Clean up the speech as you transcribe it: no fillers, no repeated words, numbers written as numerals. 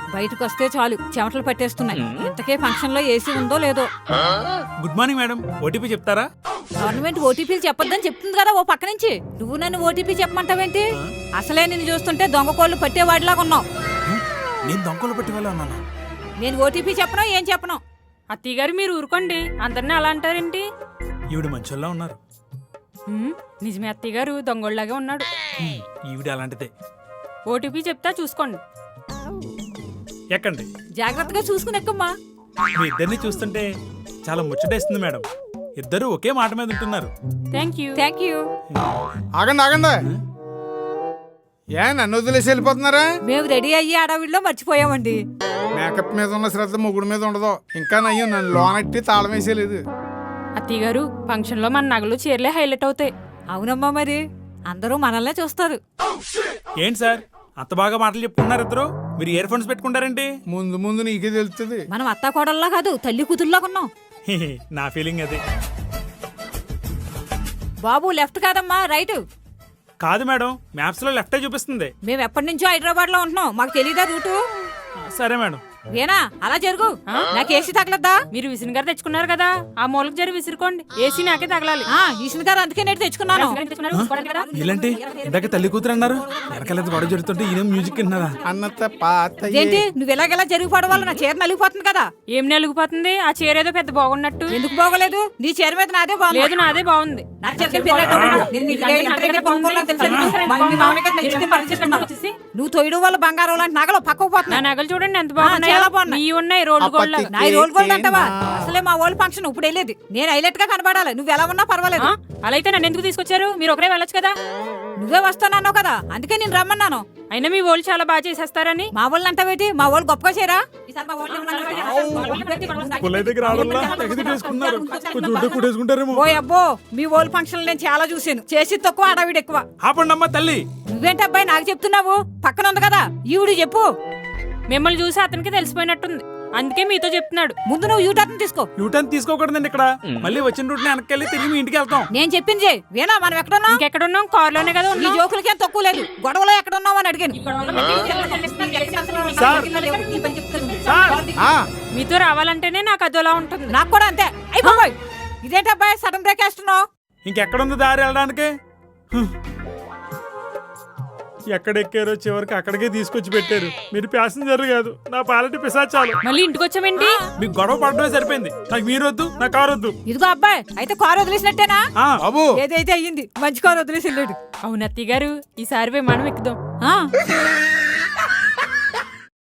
బయటకు వస్తే చాలు చెమటలు పట్టేస్తున్నాయి. ఇంతకే ఫంక్షన్ లో ఏసీ ఉందో లేదో. గుడ్ మార్నింగ్ మేడం, ఓటీపీ చెప్తారా? గవర్నమెంట్ ఓటీపీలు చెప్పొద్దని చెప్తుంది కదా ఓ పక్క నుంచి. నువ్వు నన్ను ఓటీపీ చెప్పమంటావేంటి? అసలే నిన్ను చూస్తుంటే దొంగ కోళ్ళు పట్టేవాడిలాగా ఉన్నావు. నేను దొంగలు పట్టి వెళ్ళా ఉన్నాను. నేను ఓటీపీ చెప్పను, ఏం చెప్పను. అత్తయ్య గారు మీరు ఊరుకోండి, అందరినీ అలా అంటారేంటి? ఈవిడ మంచోళ్ళ ఉన్నారు. నిజమే అత్తయ్య గారు దొంగోళ్ళలాగే ఉన్నాడు. ఈవిడ అలాంటిదే. ఓటీపీ చెప్తా చూసుకోండి. ఎక్కండి. జాగ్రత్తగా చూసుకుని ఎక్కమ్మా. మీ ఇద్దరిని చూస్తుంటే చాలా ముచ్చటేస్తుంది మేడం. ఇద్దరు ఒకే మాట మీద ఉంటున్నారు. Thank you. Thank you. ఆగండి ఆగండి, ఏ నన్ను వదిలేసి వెళ్ళిపోతున్నారా? మేము రెడీ అయ్యి అడవిలో మర్చిపోయామండి. మేకప్ మీద ఉన్న శ్రద్ధ ముగ్గుడు మీద ఉండదు. ఇంకా నయ్యో నన్ను లోనెట్టి తాళం వేసేయలేదు. అత్తయ్య గారు ఫంక్షన్ లో మన నగలు చీరలే హైలైట్ అవుతాయి. అవునమ్మా, మరి అందరూ మనల్నే చూస్తారు. ఏంటి సార్ అంత బాగా మాటలు చెప్పుకున్నారు ఇద్దరు? మీరు ఇయర్ ఫోన్స్ పెట్టుకుంటారేంటి? ముందు ముందు నీకే తెలుస్తుంది. మనం అత్తా కోడల్లా కాదు, తల్లి కూతుర్లా ఉన్నాం. నా ఫీలింగ్ అది. బాబు లెఫ్ట్ కాదమ్మా, రైట్. కాదు మేడం, మ్యాప్స్ లో లెఫ్టే చూపిస్తుంది. మేము ఎప్పటి నుంచో హైదరాబాద్ లో ఉంటున్నాం, మాకు తెలీదా రూటు? సరే మేడం. వేనా అలా జరుగు. నాకు ఏసీ తగలద్దా? మీరు విసిన్ గారు తెచ్చుకున్నారు కదా, ఆ మూలకు జరి విసురుకోండి. ఏసీ నాకే తగలాలి. ఈసిన గారు అందుకే నేను తెచ్చుకున్నాను. ఇలాంటి ఇందాక తల్లి కూతురు అన్నారు. వెనకాలేదు గొడవ జరుగుతుంటే ఈయన మ్యూజిక్ విన్నారా? అన్నత పాత ఏంటి నువ్వు ఎలాగెలా జరిగిపోవడం వల్ల నా చీర నలిగిపోతుంది కదా. ఏం నలిగిపోతుంది? ఆ చీర ఏదో పెద్ద బాగున్నట్టు. ఎందుకు బాగోలేదు? నీ చీర మీద నాదే బాగుంది. లేదు నాదే బాగుంది. నువ్వు తొయ్యడం వల్ల బంగారం లాంటి నగలు పక్కకు నా పోతున్నా. నగలు చూడండి ఎంత బాగున్నాయి. ఉన్నాయి రోల్డ్ గోల్డ్. నా రోల్ గోల్డ్ అంటావా? అసలే మా ఓల్డ్ ఫంక్షన్ ఇప్పుడు వెళ్ళేది. నేను హైలైట్ గా కనబడాలి. నువ్వు ఎలా ఉన్నా పర్వాలేదు. అలా అయితే నన్ను ఎందుకు తీసుకొచ్చారు? మీరు ఒకరే వెళ్ళొచ్చు కదా. నువ్వే వస్తానన్నావు కదా, అందుకే నేను రమ్మన్నాను. అయినా మీ వాళ్ళు చాలా బాగా చేసేస్తారని. మా వాళ్ళు అంటావేటి? మా వాళ్ళు గొప్పగా చేయరా? ఓ అబ్బో, మీ ఓల్డ్ ఫంక్షన్ నేను చాలా చూసాను. చేసి తక్కువ, ఆడవిడ ఎక్కువ. ఆపండమ్మా తల్లి. నువ్వేంటి అబ్బాయి నాకు చెప్తున్నావు? పక్కన ఉంది కదా ఈవిడ చెప్పు. మిమ్మల్ని చూసి అతనికి తెలిసిపోయినట్టుంది, అందుకే మీతో చెప్తున్నాడు. ముందు నువ్వు యూటర్న్ తీసుకో. యూటర్న్ తీసుకోకూడదండి ఇక్కడ. మళ్ళీ వచ్చిన రూట్ వెనక్కి తిరిగి మీ ఇంటికి వెళ్తాం. నేను చెప్పింది చెయ్. వేనా మనం ఎక్కడున్నాం? ఇంకెక్కడున్నాం? కార్ లోనే కదా ఈ జోకులకి ఏం తక్కువ లేదు. గొడవలో ఎక్కడున్నావు అని అడిగాను. మీతో రావాలంటేనే నాకు అదోలా ఉంటుంది. నాకు కూడా అంతే. అయిపోయి ఇదేంటి అబ్బాయి సడన్ బ్రేక్ వేస్తున్నావు? ఇంకెక్కడుంది దారి వెళ్ళడానికి? ఎక్కడ ఎక్కారో చివరికి అక్కడికే తీసుకొచ్చి పెట్టారు. మీరు ప్యాసింజర్ కాదు, నా పాలటి పిశాచాలు. మళ్ళీ ఇంటికి వచ్చామేంటి? మీకు గొడవ పడడమే సరిపోయింది. నాకు మీరు వద్దు, నా కారు వద్దు. ఇదిగో అబ్బాయి, అయితే కారు వదిలేసినట్టేనా? బాబు ఏదైతే అయ్యింది, మంచి కారు వదిలేసి వెళ్ళాడు. అవును అత్తయ్య గారు, ఈసారి విమానం ఎక్కుదాం.